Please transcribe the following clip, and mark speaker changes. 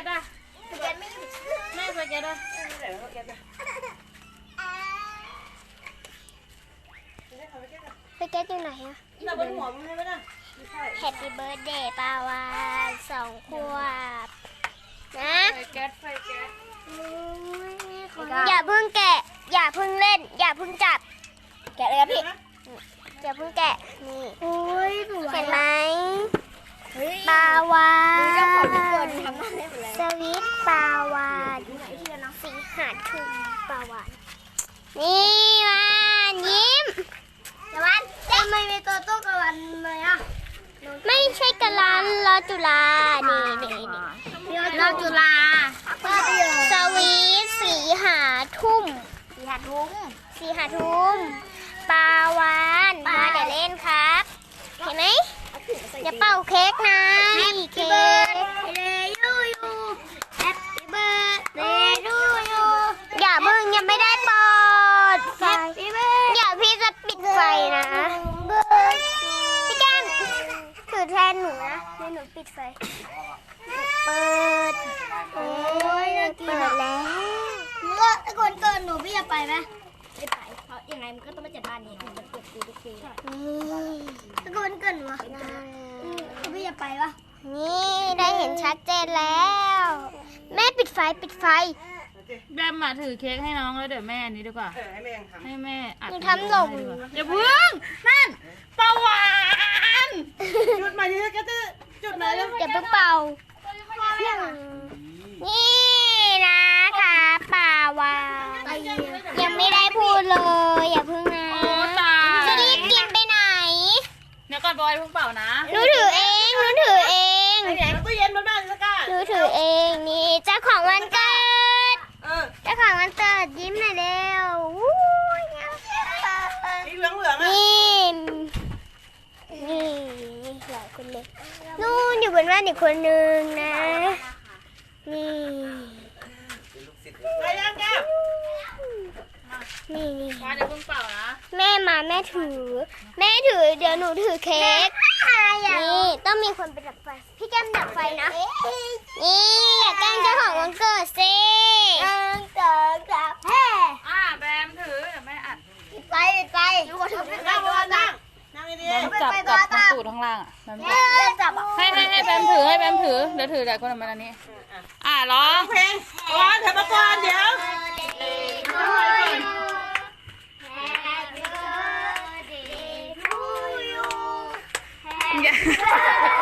Speaker 1: ตอ่ะสเก็ตไม่แม่สเก็ตอ่ะ
Speaker 2: สเก็ตอยู่ไหนอะ
Speaker 1: เราบนหัวมึงใช่ไหมล่ะ
Speaker 2: แฮปปี้เบิร์ดเดย์ปาวาน2 ขวบนะ
Speaker 1: ไฟแก๊ส
Speaker 2: อย่าเพิ่งแกะอย่าเพิ่งเล่นอย่าเพิ่งจับแกะเลยครับพี่อย่าเพิ่งแกะนี่เห็นไหมปาวานสวิตปาวานสีหาชุมปาวานนี่วานยิ้มแต่วันทำไมมีตัวตู้กับวันเลยอ่ะไม่ใช่กะลันรอจุฬานี่รอจุฬาสวีทสีหาทุ่มปาวานมาเดี๋ยวเล่นครับเห็นไหมอย่าเป่าเค้กนะนี่เค้กอย่าเพิ่งยังไม่ได้เปิดไฟอย่าพี่จะปิดไฟนะพี่แก้มถือแทนหนูนะเดี๋ยวหนูปิดไฟเปิดเปิดแล้วก็ก่อนเกินหนูพี่จะไปไหมไม่ไปเพราะยังไงมันก็ต้องมาจัดบ้านนี้มันเกิดปีทุกปีตะโกนเกินวะพี่จะไปปะนี่ได้เห็นชัดเจนแล้วแม่ปิดไฟ
Speaker 1: แบมมาถือเค้กให้น้องแล้วเดี๋ยวแม่อันนี้ดีกว่าให้แม่อัด
Speaker 2: หนูทำหล่น
Speaker 1: อย่าพึ่งนั่นปลาหวานจุดมาที่ก็จะจุดไหนแล้ว
Speaker 2: อย่าเพิ่งเป่านี่นะคะป่าวายังไม่ได้พูดเลยอย่าเพิ่งนะจะรีบกินไปไหน
Speaker 1: เดี๋ยวก่อนบอยเพิ่งเป่านะ
Speaker 2: หนูถือเอง
Speaker 1: ตู้เย็นมาบ้านสักการ
Speaker 2: หนูถือเองนี่เจ้าของวันเกิดเจ้าของวันเกิดยิ้มหน่อยเร็ว
Speaker 1: นี่เหลือง
Speaker 2: นี่หลายคนเลยนู่นอยู่บนบ้านอีกคนนึงนะนี่
Speaker 1: ไปยังแก้ว
Speaker 2: นี่
Speaker 1: มาเดี๋ยวเพิ่งเป่านะ
Speaker 2: แม่มาแม่ถือเดี๋ยวหนูถือเค้กนี่ต้องมีคนไปดับไฟพี่แก้มดับไฟนะนี่อย่าแกล้งเจ้าของวันเกิดสิ
Speaker 1: แบมถือเดี๋ยวแม่อัด
Speaker 2: ไปดูว่าถือ
Speaker 1: นั่งดีๆจับทั้งตูดทั้งล่างอ่ะให้แบมถือเดี๋ยวถือหลายคนมาอันนี้ร้องเพลงร้องเถอะมาก่อนเดี๋ยว
Speaker 2: Happy birthday to you